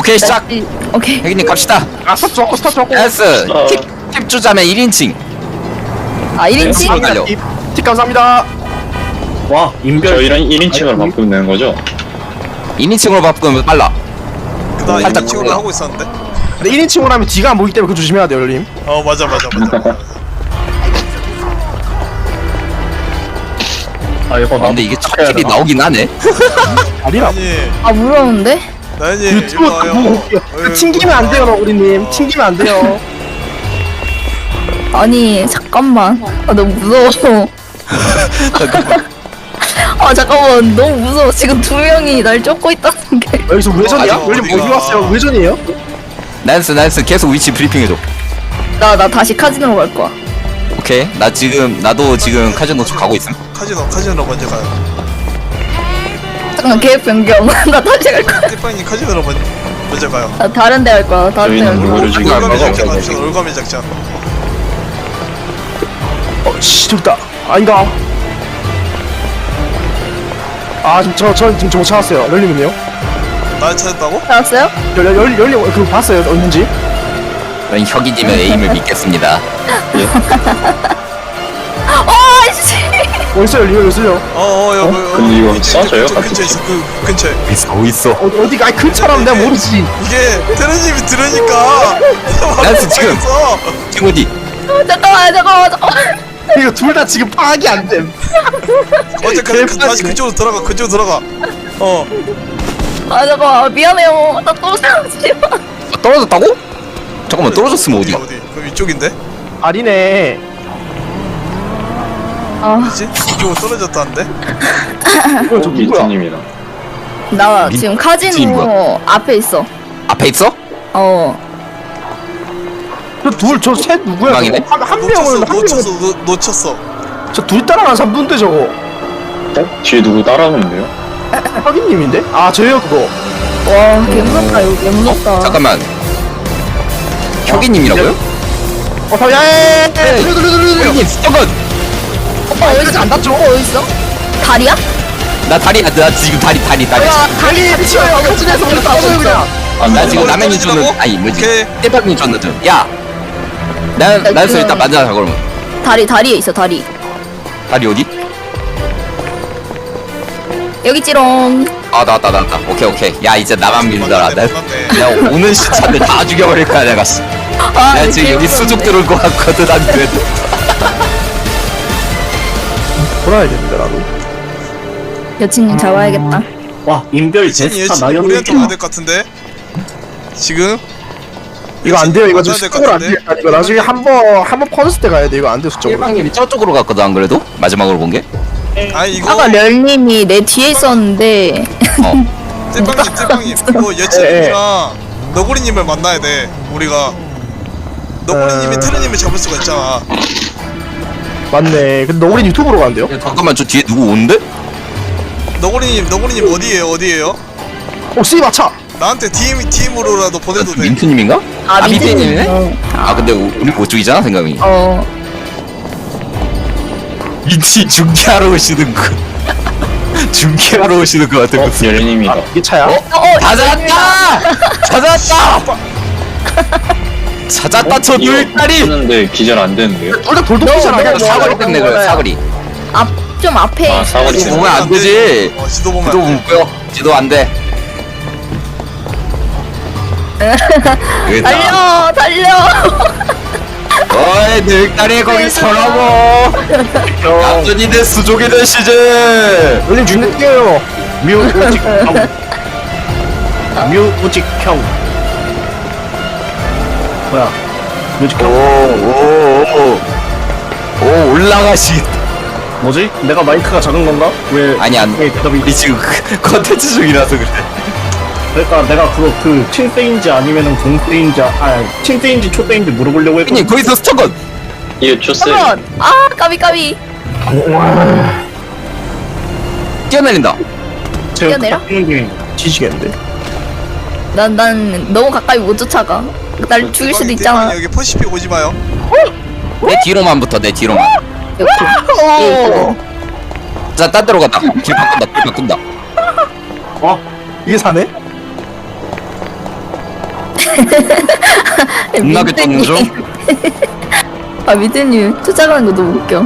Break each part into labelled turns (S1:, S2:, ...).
S1: 오케이 시작.
S2: 오케이.
S1: 혜기님 갑시다.
S3: 스탑 좋고 스탑 좋고.
S1: S 팁 주자면 1인칭.
S2: 아 1인칭?
S1: 달려.
S3: 팁 감사합니다.
S4: 와 인별
S5: 저 이런 1인칭으로 바꾸면 되는 거죠?
S1: 2인칭으로 바꾸면 빨라.
S6: 나
S1: 살짝
S6: 2인칭으로
S1: 올라.
S6: 하고 있었는데.
S3: 근데 1인칭으로 하면 뒤가 안 보이기 때문에 그거 조심해야 돼요, 열님.
S6: 어 맞아.
S4: 아 이거
S1: 아, 근데 이게 첫 킬이 나오긴 하네.
S3: 아니라.
S6: 아니
S2: 아 무서운데?
S6: 나연이
S3: 유튜브
S6: 일로 와요.
S3: 보고 올게요. 그 튕기면 안 돼요, 너구리님. 튕기면 안 돼요.
S2: 아니 잠깐만. 아 너무 무서워. 아 잠깐만 너무 무서워. 지금 두 명이 날 쫓고 있다는 게.
S3: 여기서 외전이야?
S6: 아직
S3: 열님 어디
S6: 어디가?
S3: 왔어요? 외전이에요?
S1: 나이스 계속 위치 브리핑해줘.
S2: 나 다시 카지노로 갈 거야.
S1: 오케이. 나도 지금 카지노 쪽 가고 있음.
S6: 카지노 먼저 가요.
S2: 잠깐 계획 변경. 나 다시 갈 거야.
S6: 띠빵님 카지노로 먼저 가요.
S2: 나 다른 데 갈 거야. 다른 데 갈
S5: 저희는
S2: 거야.
S5: 누구를 지금
S6: 올가미
S1: 가고
S6: 작전
S1: 오케이,
S6: 합시다. 올가미 작전.
S3: 씨, 됐다. 아니다. 아, 지금 지금 저 찾았어요. 열님은요?
S6: 날 찾았다고?
S2: 알았어요?
S3: 열님 그거 봤어요, 어딘지?
S1: 저는 혁이님의 에임을 믿겠습니다.
S2: 아이씨.
S3: 어딨어요, 열님? 어딨어요?
S6: 여기
S5: 근데 이거
S6: 이쪽,
S5: 써져요?
S6: 이쪽 근처에 있어. 그 근처에.
S1: 있어.
S3: 어디가? 아니, 큰 차라면 내가 모르지.
S6: 이게 테러님이 들으니까.
S1: 나이스, 지금.
S6: 말했어.
S1: 지금 어디?
S2: 잠깐만.
S3: 이거 둘 다 지금 파악이 안 됨.
S6: 다시 그쪽으로 들어가.
S2: 아 잠깐만 미안해요. 나 또 사지 마.
S1: 떨어졌다고? 잠깐만 떨어졌으면 어디가?
S6: 어디? 그럼 이쪽인데?
S3: 아니네.
S2: 아,
S6: 그치? 이쪽으로 떨어졌다는데?
S3: 이거 저 누구야?
S5: 미트님이랑
S2: 나
S1: 민-
S2: 지금
S1: 지금
S2: 카지노 앞에 있어.
S1: 앞에 있어?
S3: 저 셋 누구야?
S1: 대박이네.
S3: 저거? 한 명을
S6: 놓쳤어.
S3: 저 둘 따라가는 사람인데 저거.
S5: 뒤에 누구 따라오는데요?
S3: 확인님인데? 아, 저요 그거.
S2: 와, 개무섭다 이거 개무섭다.
S1: 잠깐만. 혁이님이라고요?
S3: 야야야야! 돌려.
S1: 혁이님 잠깐.
S2: 오빠 어디 있어?
S3: 안 닿죠?
S2: 오빠 어디 있어? 다리야?
S1: 나 지금 다리.
S3: 달리 미쳐요. 여진에서 우리 싸워요 그냥.
S1: 나 지금 라면이
S6: 떨어지라고?
S1: 줬는 아니 뭐지?
S6: 오케이.
S1: 떼밥이 줬는데. 야. 나에서
S2: 지금-
S1: 일단 만나자 그러면.
S2: 다리에 있어 다리.
S1: 다리 어디?
S2: 여기 찌롱.
S1: 아 나왔다. 오케이. 야 이제 나만 믿더라.
S6: 몰랐네.
S1: 나 오는 시차인데 다 죽여버릴 거야 내가.
S2: 아,
S1: 내가 지금 여기 수족 들어올 것 같거든 안 그래도.
S3: 돌아야겠는데 나도.
S2: 여친님 잡아야겠다.
S4: 와 인별
S6: 여친이
S4: 제스타
S6: 우리한테
S4: 나연이
S6: 와야 될 것 같은데? 지금?
S3: 이거 안 돼요. 이거 지금
S6: 맞아야 될것
S3: 수적으로 안
S6: 같은데?
S3: 돼. 이거 나중에 한번 퍼졌을 때 가야 돼. 이거 안 돼. 수적으로.
S1: 일방님이 저쪽으로 갔거든 안 그래도? 마지막으로 본 게?
S6: 아니 이거
S2: 아까 럴님이 내 뒤에 있었는데.
S1: 어.
S6: 띠빵님 이거 여친님이랑 너구리님을 만나야 돼 우리가. 너구리님이 테르님을 잡을 수가 있잖아.
S3: 맞네. 근데 너구리 유튜브로 간대요?
S1: 잠깐만 저 뒤에 누구 오는데?
S6: 너구리님 어디에요?
S3: 씨 마차.
S6: 나한테 DM으로라도 보내도 돼.
S1: 민트님인가?
S2: 아
S1: 민트님이네?
S2: 민트님.
S1: 아 근데 우리 그쪽이잖아 생각이. 민트 중계하러 오시는 거. 중계하러 오시는 거 같은 거.
S5: 열님이다.
S3: 이게 차야?
S1: 찾았다! 찾았다 저 돌다리!
S5: 하는데 기절 안 되는데요?
S3: 둘 다 돌도끼잖아.
S2: 너,
S1: 사거리 때문에 그래 사거리.
S2: 좀 앞에.
S5: 아 사거리
S1: 지도
S5: 때문에.
S1: 보면 안 되지.
S6: 지도 보면
S1: 지도
S6: 안 돼.
S1: 못 보여. 지도 안 돼. 여기다.
S2: 달려.
S1: 어이 늙다리 거기 서라고. 얌전이들 수족이 되시지.
S3: 열님 죽을게요.
S4: 뮤직형 뮤직형 뭐야 뮤직형
S1: 오 올라가시.
S4: 뭐지? 내가 마이크가 작은 건가? 왜
S1: 아니 안.
S4: 왜 대답이
S1: 우리 지금 컨텐츠 중이라서 그래.
S4: 그러니까 내가 그거 그 칭세인지 아니면은 공세인지 칭세인지 초세인지 물어보려고 했거든.
S1: 형님 거기서 스쳐건.
S5: 이거 초세
S2: 잠깐. 아 까비.
S1: 뛰어내린다.
S4: 제가
S2: 뛰어내려?
S4: 딱 뛰는 중에
S3: 지시겠는데?
S2: 난 너무 가까이 못 쫓아가. 날 죽일 수도 있잖아.
S6: 여기 퍼시픽 오지 마요.
S1: 내 뒤로만 붙어 내 뒤로만.
S2: 이렇게.
S1: 자 딴 데로 간다. 길 바꾼다.
S3: 이게 사네?
S1: 겁나게 떴는 중?
S2: 아 미드님 쫓아가는 거 너무 웃겨.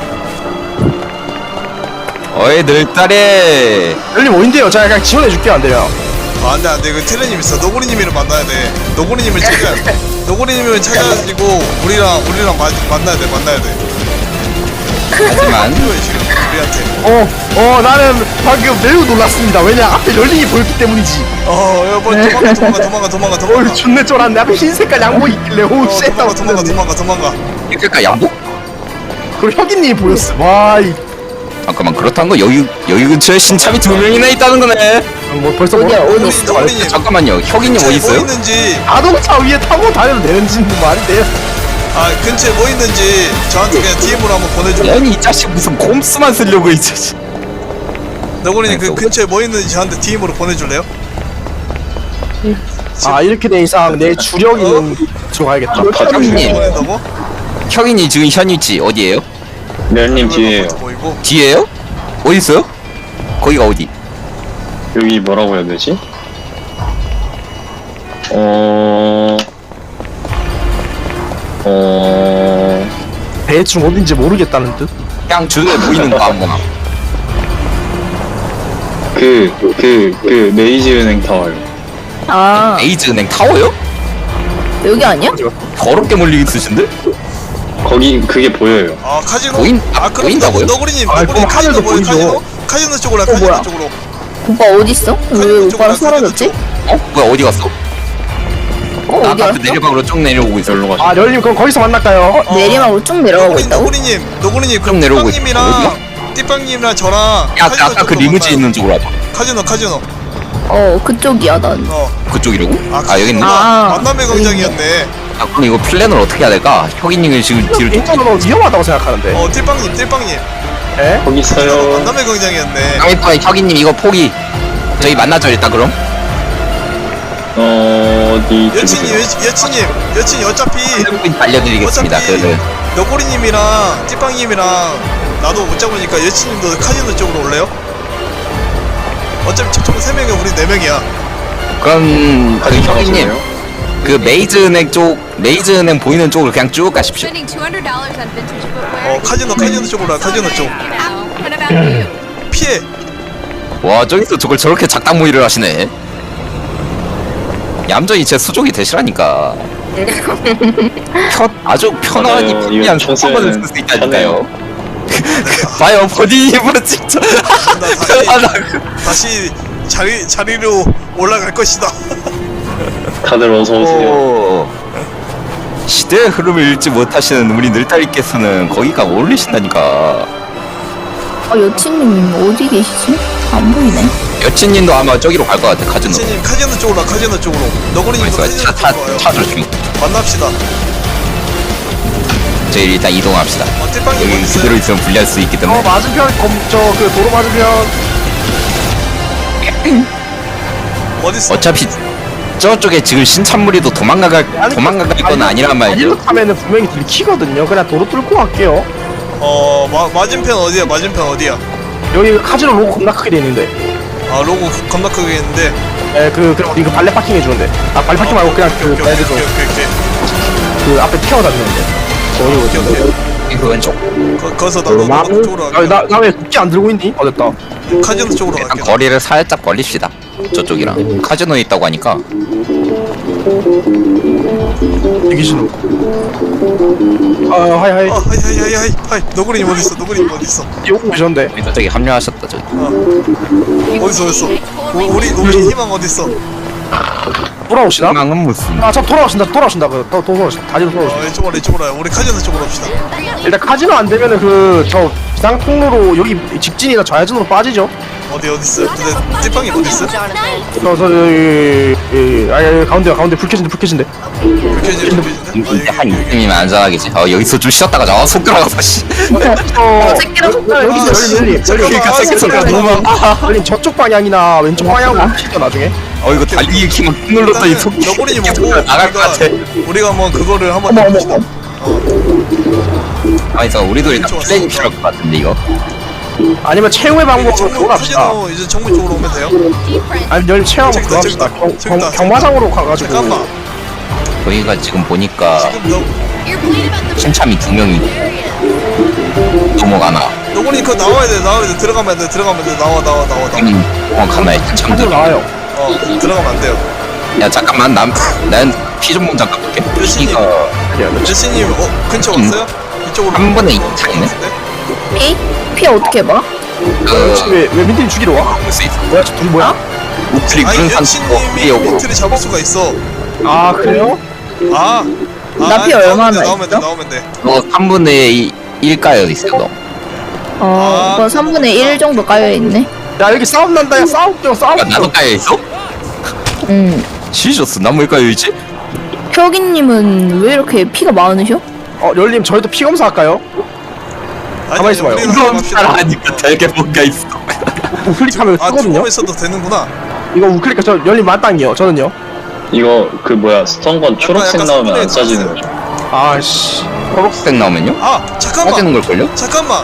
S1: 어이 늘딸이
S3: 열님 어딘데요? 제가 그냥 지원해줄게요 안 돼요?
S6: 아 안돼 그 테르님 있어. 너구리님이랑 만나야 돼. 너구리님을 찾아가지고 우리랑 만나야 돼.
S1: 하지만
S6: 필요해 지금 우리한테.
S3: 나는 방금 매우 놀랐습니다. 왜냐 앞에 열림이 보였기 때문이지.
S6: 여보 도망가.
S3: 어이 존내 쫄았네. 앞에 흰 색깔 양복 있길래 오우 쉣 하고
S6: 도망가.
S1: 그러니까 양복?
S3: 그리고 혁이님이 보였어. 와이
S1: 잠깐만 그렇다는 거 여기 근처에 신참이 2명이나 있다는 거네.
S3: 뭐 벌써
S2: 어디야,
S3: 뭐-
S2: 어디?
S6: 너구리님
S1: 잠깐만요 혁이님 어디
S6: 뭐
S1: 있어요?
S6: 있는지
S3: 자동차 위에 타고 다녀도 되는지 말이 돼요.
S6: 근처에 뭐 있는지 저한테 그냥 DM으로 한번 보내줘.
S1: 아니 이 자식 무슨 곰수만 쓰려고 이 자식.
S6: 너구리님 그 근처에 뭐 있는지 저한테 DM으로 보내줄래요?
S3: 이렇게 된 이상 내 주력이는 들어가야겠다.
S1: 혁이님
S6: 보낸다고?
S1: 혁이님 지금 현 위치 어디에요?
S5: 멜님 뒤에요.
S6: 보이고.
S1: 뒤에요? 어디 있어요? 거기가 어디?
S5: 여기 뭐라고 해야 되지?
S3: 대충 어딘지 모르겠다는 듯.
S1: 그냥 주위에 보이는 거 아무거나.
S5: 메이지은행 타워요.
S2: 아
S1: 에이즈은행 타워요?
S2: 여기 아니야?
S1: 더럽게 멀리 있으신데?
S5: 거기 그게 보여요.
S6: 카지노. 그럼
S1: 보인다고요?
S6: 너구리님
S3: 그럼
S6: 카지노
S3: 하늘도
S6: 뭐예요?
S3: 보이죠.
S6: 카지노 쪽으로
S3: 뭐야?
S6: 카지노 쪽으로.
S2: 오빠 어디 있어? 왜 오빠랑 사라졌지?
S1: 뭐야 어디 갔어? 나
S2: 어디
S1: 아까
S2: 갔어?
S1: 그 내려방으로 쭉 내려오고 있어.
S5: 절로 가시.
S3: 열림 그럼 거기서 만날까요?
S2: 내리막으로 쭉 내려가고 있다고?
S6: 너구리님
S1: 좀 내려오고 있어.
S6: 띠빵님이랑 띠빵님이랑 저랑
S1: 야 아까 그 리무진 있는 쪽으로 와봐.
S6: 카지노.
S2: 그쪽이야 난.
S1: 그쪽이라고? 여기 있네.
S6: 만남의 광장이었네.
S1: 그럼 이거 플랜을 어떻게 해야 될까? 혁이님을 지금 뒤로 쫓.
S3: 개인적으로 위험하다고 생각하는데.
S6: 띠빵님.
S5: 거기 있어요.
S6: 만남의 광장이었네.
S1: 일단 혁이님 이거 포기. 저희 만나죠 일단 그럼.
S5: 어디
S6: 여친님 어차피
S1: 알려드리겠습니다. 그
S6: 너구리님이랑 띠빵님이랑 나도 못 잡으니까 여친님도 카지노 쪽으로 올래요? 어차피 저쪽은 3명이야 우리 4명이야.
S1: 그럼 그 혁이님 그 메이즈은행 보이는 쪽으로 그냥 쭉 가십시오.
S7: Spending $200 on vintage footwear.
S6: 카지노 쪽으로 와 카지노 쪽.
S7: What about you?
S6: 피해.
S1: 와 저기서 저걸 저렇게 작당 모의를 하시네. 얌전히 제 수족이 되시라니까. 아주 편안하니
S5: 맞아요.
S1: 편리한
S5: 이거
S1: 속도만을 쓸 수 있다니까요. 봐요 버디 입으로 진짜 편안하고.
S6: 다시 자리로 올라갈 것이다.
S5: 다들 어서 오세요.
S1: 오. 시대의 흐름을 읽지 못하시는 우리 늘딸이께서는 거기가 어울리신다니까.
S2: 여친님 어디 계시지? 안 보이네.
S1: 여친님도 아마 저기로 갈 것 같아. 카지노.
S6: 여친님 카지노 쪽으로 와 카지노 쪽으로. 너구리님도 카지노 쪽으로 와요.
S1: 차를 중.
S6: 만납시다.
S1: 저희 일단 이동합시다.
S6: 띠빵님
S1: 여기
S6: 어디
S1: 그대로
S6: 있어요?
S1: 있으면 불리할 수 있기 때문에.
S3: 맞은편 그 도로 맞은편.
S6: 어디 있어?
S1: 어차피 저쪽에 지금 신찬무리도 도망갈 건 아니란 말이죠.
S3: 다리로 타면은 분명히 들키거든요. 그냥 도로 뚫고 갈게요.
S6: 맞은편 어디야?
S3: 여기 카지노 로고 겁나 크게 돼 있는데.
S6: 로고 겁나 크게 있는데.
S3: 그럼 우리 그 발레 파킹 해주는데. 발레 파킹 말고 그냥 그
S6: 오케이.
S3: 발레에서 그 앞에 태워다니는데.
S6: 오케이.
S1: 그 왼쪽.
S6: 거기서 나도 쪽으로 갈게.
S3: 나왜 국기 안 들고 있니? 어됐다.
S6: 카지노 쪽으로
S1: 일단
S6: 갈게.
S1: 거리를 살짝 벌립시다. 저쪽이랑 카지노에 있다고 하니까.
S3: 대기실로. 하이.
S6: 하이. 너구리님 어디 있어?
S3: 오고 계셨는데.
S1: 저기 합류하셨다 저기.
S6: 어딨어? 우리 희망 어디 있어?
S3: 돌아오시나?
S1: 희망은 무슨?
S3: 저 돌아오신다. 돌아오신다. 다리로 돌아오신다.
S6: 이쪽으로 와요. 우리 카지노 쪽으로 갑시다.
S3: 일단 카지노 안 되면은 저 비상 통로로 여기 직진이나 좌회전으로 빠지죠.
S6: 어디 있어? 근데 찐빵이 어디 있어?
S3: 가운데 불 켜진데.
S1: 이제 한 이쯤이면 안전하겠지. 여기서 좀 쉬었다가 속 들어가서 씨.
S2: 새끼랑 속도를
S3: 열림.
S1: 그러니까 새끼 소리가 너무 많아.
S3: 열림 저쪽 방향이나 왼쪽 방향으로 치죠 나중에.
S1: 이거 달리기 키만 꾹 눌렀더니 속
S6: 너구리님
S1: 새끼
S6: 오고
S1: 소리가 나갈 것 같아.
S6: 우리가 한번 그거를 한번 해봅시다.
S1: 아니 우리도 일단 플랜이 필요할 것 같은데 이거.
S3: 아니면 최후의 방법으로 그거 갑시다.
S6: 카지노 이제 정문 쪽으로 오면 돼요.
S3: 아니 열림 체험을 그거 합시다. 경마장으로 가가지고.
S6: 잠깐만.
S1: 저희가 지금 보니까
S6: 지금 너
S7: You're playing about the
S1: 신참이 2명이 넘어가나.
S6: 너구리 그거 나와야 돼 들어가면 돼 나와
S1: 정확하나요?
S3: 한번
S1: 신참들.
S3: 나와요.
S6: 들어가면 안 돼요.
S1: 야 잠깐만 난 피 좀 먼저 깎을게.
S6: 여신님.
S1: 피가
S6: 여신님 근처 왔어요? 이쪽으로
S1: 한 번에 2 차이네.
S2: 피 어떻게 봐?
S3: 왜 민트님 죽이러 와?
S1: 볼수 있어.
S3: 뭐야 저 둘이 뭐야?
S1: 우클릭
S6: 아니
S1: 그런
S6: 여신님이
S1: 산속이오고
S6: 민트를 잡을 수가 있어.
S3: 아 그래요?
S2: 나피 얼마나
S6: 나오면 돼
S2: 있어?
S6: 나오면 돼.
S1: 너 3분의 1 까여 있어 너.
S2: 이거 3분의 1 정도 까여있네.
S3: 야 여기 싸움 난다 야 싸움
S1: 야 나도 까여 있어? 지졌어. 난 왜 까여 있지?
S2: 혁이님은 왜 이렇게 피가 많으셔?
S3: 열님 저희도 피 검사 할까요? 가만히 있어봐요.
S6: 우리는
S1: 이건
S6: 합시다.
S1: 따라하니까 되게 뭔가 있어.
S3: 우클릭하면
S6: 아
S3: 뜨거든요?
S6: 투고 있어도 되는구나.
S3: 이거 우클릭 저 열님 만땅이요 저는요.
S5: 이거 그 뭐야 스턴건 초록색
S6: 약간
S5: 나오면 안
S6: 스톤에
S5: 싸지는 거죠.
S3: 아씨
S1: 초록색 나오면요?
S6: 아 잠깐만
S1: 빠지는 걸걸요?
S6: 잠깐만.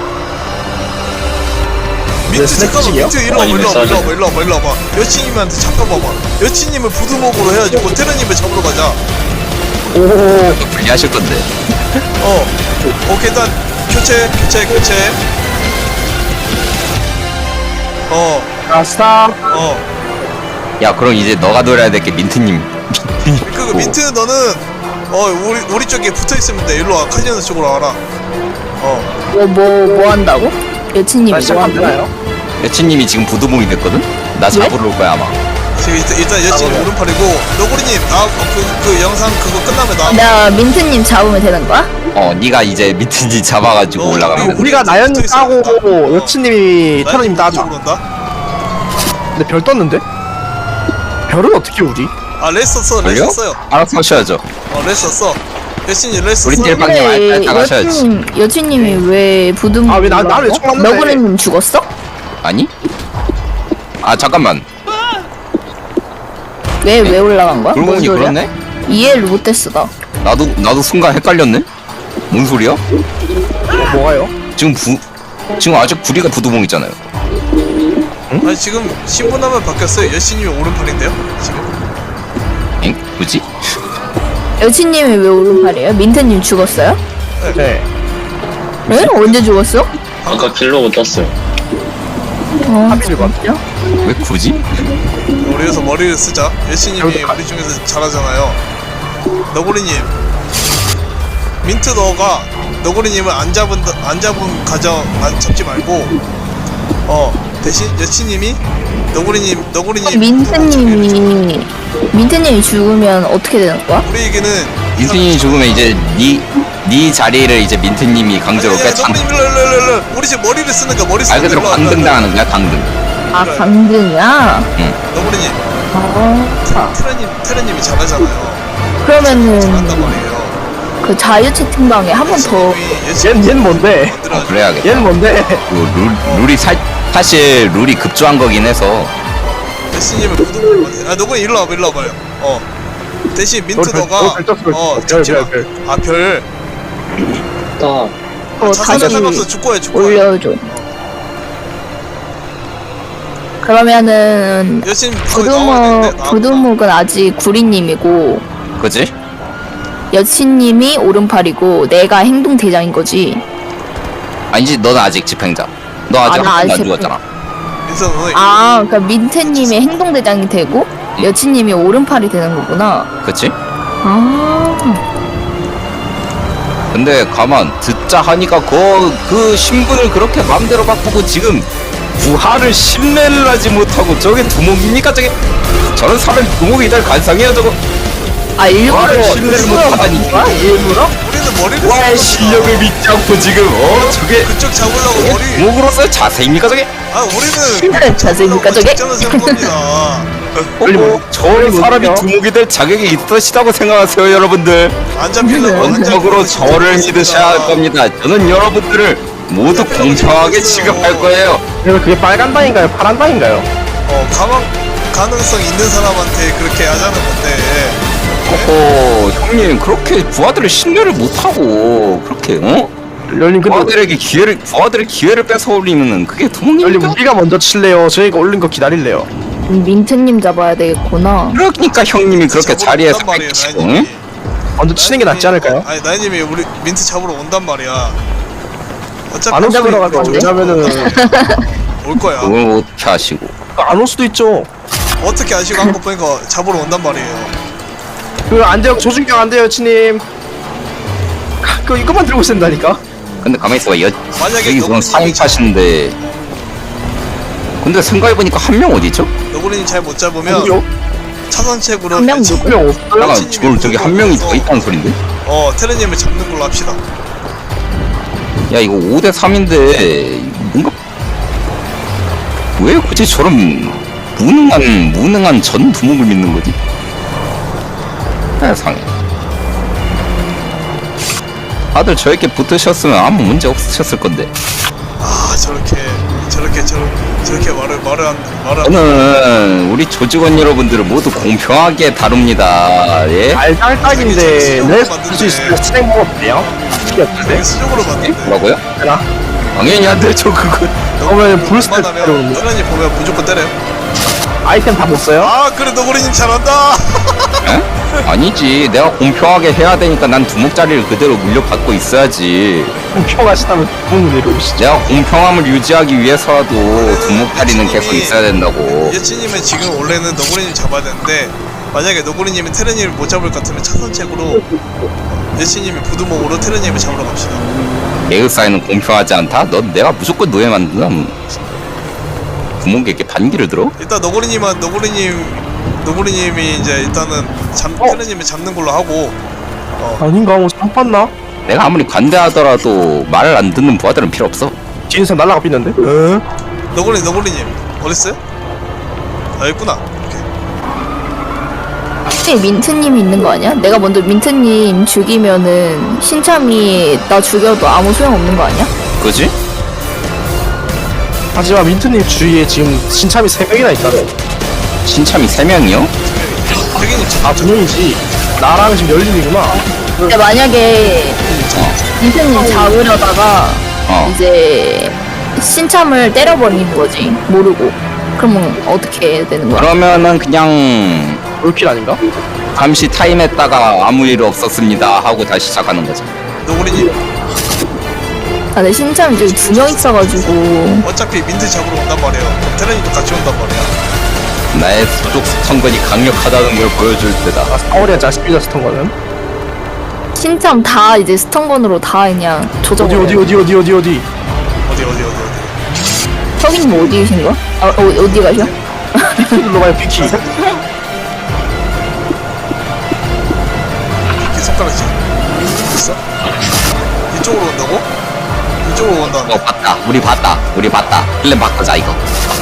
S6: 민트
S3: 스낵
S6: 잠깐만
S3: 찍이요?
S6: 민트 일로 와봐
S5: 아니면
S6: 일로 와봐 여친님한테 잡혀봐봐. 여친님을 부두목으로 해가지고 테러님을 잡으러 가자.
S3: 오
S1: 분리하실 건데.
S6: 오케이 일단 교체
S3: 아스타
S1: 야 그럼 이제 너가 노려야 될 게 민트님.
S6: 그 민트 너는 우리 쪽에 붙어있으면 돼. 일로 와 카지노 쪽으로 와라.
S2: 뭐 한다고? 여친님이 뭐
S3: 시작하면
S2: 한다고?
S3: 되나요?
S1: 여친님이 지금 부두봉이 됐거든? 나 잡으러 올 거야 아마.
S6: 지금 일단 여친 오른팔이고 너구리님 그 영상 그거 끝나면 나.
S2: 내가 민트님 잡으면 되는 거야?
S1: 네가 이제 민트님 잡아가지고 올라가면 돼.
S3: 우리가 나연님 따고 여친님이 테러님 따자.
S6: 쪽으로 온다.
S3: 근데 별 떴는데? 별은 어떻게 우리?
S6: 아 레스 썼어
S1: 걸려? 알아서 하셔야죠.
S6: 레스 썼어. 여친이 레스
S1: 우리
S6: 썼어.
S1: 딜 방향 알다 가셔야지.
S2: 여친님이 왜 부두목?
S3: 아, 왜 나를 왜 총 맞는데?
S2: 너구리님 죽었어?
S1: 아니? 아 잠깐만.
S2: 왜 올라간 거야?
S1: 그러고
S2: 뭔
S1: 보니
S2: 소리야?
S1: 그렇네?
S2: 이해를 못했어 나.
S1: 나도 순간 헷갈렸네? 뭔 소리야?
S3: 뭐가요?
S1: 지금 아직 구리가 부두봉이잖아요.
S6: 아니 지금 신분하면 바뀌었어요. 여친님이 오른팔인데요. 지금.
S1: 엥? 뭐지?
S2: 여친님이 왜 오른팔이에요? 민트님 죽었어요?
S3: 네.
S2: 왜? 언제 죽었어?
S5: 아까 길로그 떴어요.
S3: 합의를 봐.
S2: 진짜?
S1: 왜 굳이?
S6: 우리 여기서 머리를 쓰자. 여친님이 우리 중에서 잘하잖아요. 너구리님. 민트 너가 너구리님을 안 잡은 가정 안 잡지 말고 대신 여친님이 너구리님
S2: 민트님이 죽으면 어떻게 되는 거야?
S6: 우리에게는
S1: 민트님이 죽으면 이제 네 자리를 이제 민트님이 강제로 뺏창.
S6: 너구리님 일로 우리 지금 머리를 쓰는 거야. 머리 쓰는
S1: 말 그대로 강등당하는 거야 강등.
S2: 아 강등이야?
S6: 너구리님
S2: 아
S6: 테러님이 잘하잖아요.
S2: 그러면은
S6: 잘한단 말이에요.
S2: 그 자유 채팅방에 한 번 더
S3: 얜 뭔데?
S1: 그래야겠다.
S3: 얘는 뭔데?
S1: 룰이 사실 룰이 급조한 거긴 해서.
S6: 여친님을 부두고 너구리 일로 와봐요. 대신 민트
S3: 별,
S6: 너가
S3: 별 떴어.
S6: 잡지 마.
S3: 별.
S6: 아 별.
S2: 다시
S6: 상관없어. 죽고 해.
S2: 올려줘. 그러면은
S6: 여친 거의 나와야 되는데,
S2: 부두목은 아직 구리님이고
S1: 그지?
S2: 여친님이 오른팔이고 내가 행동 대장인 거지.
S1: 아니지 너는 아직 집행자. 너 아직
S2: 나
S1: 한 번도
S2: 아직
S1: 안 죽었잖아.
S6: 민트 너는
S2: 아, 그러니까 민트님이 행동 대장이 되고 여친님이 오른팔이 되는 거구나.
S1: 그치?
S2: 아,
S1: 근데 가만 듣자 하니까 그 신분을 그렇게 마음대로 바꾸고 지금 부하를 신뢰를 하지 못하고 저게 두목입니까 저게? 저런 사람이 두목이 될 가능성이에요 저거.
S2: 일부러
S1: 부하를 신뢰를 못하다니.
S2: 일부러?
S6: 우리는 머리를
S1: 부하의
S6: 쓰는
S1: 실력을 믿지 않고 지금 저게
S6: 그쪽 잡으려고 머리.
S1: 두목으로서의 자세입니까 저게?
S6: 우리는
S2: 자세입니까 저게?
S6: 작전을 세운 겁니다.
S1: 저런 사람이 두목이 될 자격이 있으시다고 생각하세요 여러분들.
S6: 안 잡히려고
S1: 원적으로 저를 믿으셔야 할 겁니다. 저는 여러분들을 모두 공평하게 취급할 거예요.
S3: 그래서 그게 빨간 당인가요? 파란 당인가요?
S6: 가능성 있는 사람한테 그렇게 하자는 건데.
S1: 형님 그렇게 부하들을 신뢰를 못하고 그렇게
S3: 열님 근데
S1: 부하들의 기회를 뺏어올리면은 그게
S3: 열님
S1: 두목입니까?
S3: 우리가 먼저 칠래요? 저희가 올린 거 기다릴래요?
S2: 민트님 잡아야 되겠구나.
S1: 그러니까 형님이 그렇게
S6: 잡으러
S1: 자리에서
S6: 온단 말이에요,
S1: 뺏기시고,
S6: 나인님이.
S1: 응?
S3: 먼저 치는 게 낫지 않을까요?
S6: 아니 나인님이 우리 민트 잡으러 온단 말이야. 어차피
S3: 안 올 수도 있고
S2: 건데?
S3: 왜냐면은
S6: 올 거야.
S1: 그걸 어떻게 하시고.
S3: 안 올 수도 있죠.
S6: 어떻게 아시고 한 거 보니까 잡으러 온단 말이에요.
S3: 그 안 돼요. 조준경 안 돼요, 여친님. 그 이것만 들고 있는다니까.
S1: 근데 가만히 있어봐.
S6: 만약에
S1: 여기 그건
S6: 너구리님이
S1: 4인팟인데. 근데 생각해보니까 한 명 어디죠?
S6: 너구리님 잘 못 잡으면
S3: 누구요?
S6: 차선책으로
S2: 한 명
S6: 차-
S3: 분명 없어요.
S1: 잠깐,
S6: 여친님이
S1: 지금 저기 한 명이 더
S6: 무조건
S1: 있다는 소린데?
S6: 테레님을 잡는 걸로 합시다.
S1: 야, 이거 5대3인데, 뭔가. 왜 굳이 저런 무능한 전 두목을 믿는 거지? 세상에. 다들 저렇게 붙으셨으면 아무 문제 없으셨을 건데.
S6: 아 저렇게 말을 안
S1: 저는 우리 조직원 여러분들을 모두 공평하게 다룹니다. 예?
S3: 알딸딱인데
S6: 저기
S3: 내
S6: 수정으로
S3: 쓸수 있으면
S6: 만드네.
S3: 스낵 먹어도 돼요?
S6: 되게
S3: 어떤데?
S6: 수적으로 봤는데.
S1: 뭐라고요?
S3: 되나?
S1: 당연히 안 되죠, 그거.
S3: 그러면 불스텝
S6: 만나면 테레님 보면 무조건 때려요.
S3: 아이템 다 못 써요?
S6: 아 그래 너구리님 잘한다.
S1: 에? 아니지. 내가 공평하게 해야 되니까 난 두목자리를 그대로 물려받고 있어야지.
S3: 공평하시다면 구멍을 내려오시죠.
S1: 내가 공평함을 유지하기 위해서라도 두목자리는 계속 있어야 된다고.
S6: 예치님은 지금 원래는 너구리님 잡아야 되는데 만약에 너구리님이 테레님을 못 잡을 것 같으면 차선책으로 예치님이 부두목으로 테레님을 잡으러 갑시다.
S1: 개그 사이는 공평하지 않다? 넌 내가 무조건 노예 만든다. 두목에게 반기를 들어?
S6: 일단 너구리님이 이제 일단은 테레님을 잡는 걸로 하고
S3: 아닌가? 뭐 상판나?
S1: 내가 아무리 관대하더라도 말을 안 듣는 부하들은 필요 없어.
S3: 뒤에 사람 날라가 삐는데? 응?
S6: 너구리님 어딨어요? 아 있구나. 오케이.
S2: 혹시 민트님이 있는 거 아니야? 내가 먼저 민트님 죽이면은 신참이 나 죽여도 아무 소용 없는 거 아니야?
S1: 그지?
S3: 하지만 민트님 주위에 지금 신참이 3명이나 있다네.
S1: 신참이 3명이요?
S6: 태기님
S3: 아, 2명이지. 나랑 지금 열린이구나.
S2: 근데 만약에 민트님 잡으려다가 이제 신참을 때려버리는 거지 모르고. 그러면 어떻게 해야 되는 거야?
S1: 그러면은 그냥
S3: 롤킬 아닌가?
S1: 잠시 타임했다가 아무 일 없었습니다 하고 다시 시작하는 거지.
S6: 너구리님
S2: 아, 내 신참이 저기 2명 있어가지고.
S6: 어차피 민트 잡으러 온단 말이에요. 그럼 테레님도 같이 온단 말이야.
S1: 나의 수족 스턴건이 강력하다는 걸 보여줄 때다.
S3: 아, 사월이야 자식비자 스턴 거는?
S2: 신참 다 이제 스턴건으로 다 그냥 조져버려.
S3: 어디?
S2: 혁이님 어디 계신 거야? 아, 어디 가셔?
S3: 눌러봐요, 비키.
S6: 이렇게 손가락질. 됐어? 이쪽으로 온다고? 이쪽으로 온다.
S1: 봤다. 우리 봤다. 플랜 바꾸자 이거.